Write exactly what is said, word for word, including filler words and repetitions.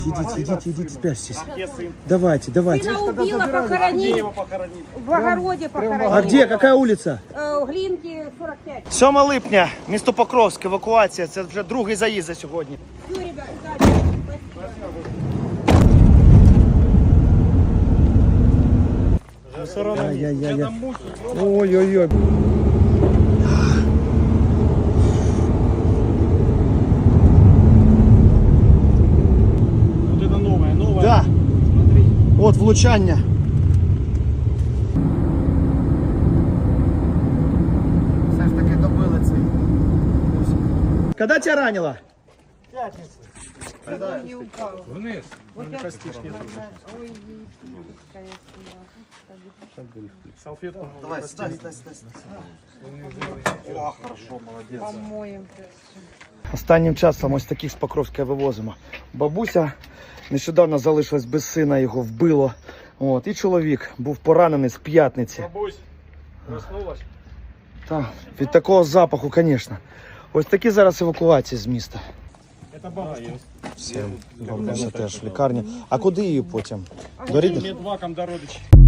Идите, идите, идите, спрячьтесь. Давайте, давайте. Сына убила, похоронить. В огороде похоронить. А где? Какая улица? Э, Глинки, сорок пять. сьоме липня, місто Покровськ, евакуація. Це вже другий заїзд за сьогодні. Все, ребят, удачи. Ай-яй-яй. Ой-ой-ой. Вот это новое, новое. Да. Смотри. От влучання. Все ж таки добили цей. Коли тебе ранило? Вниз. Салфетку. Давай, стой, стой, стой. О, хорошо, молодець. Помоем. Останнім часом ось таких з Покровська вивозимо. Бабуся нещодавно залишилась без сина, його вбило. От, і чоловік був поранений з п'ятниці. Бабусь, проснулась? Так, від такого запаху, звісно. Ось такі зараз евакуації з міста. Это бабушка. Все, бабуся теж в лікарні. А куди її потім? До рідних? Медваком до родичей.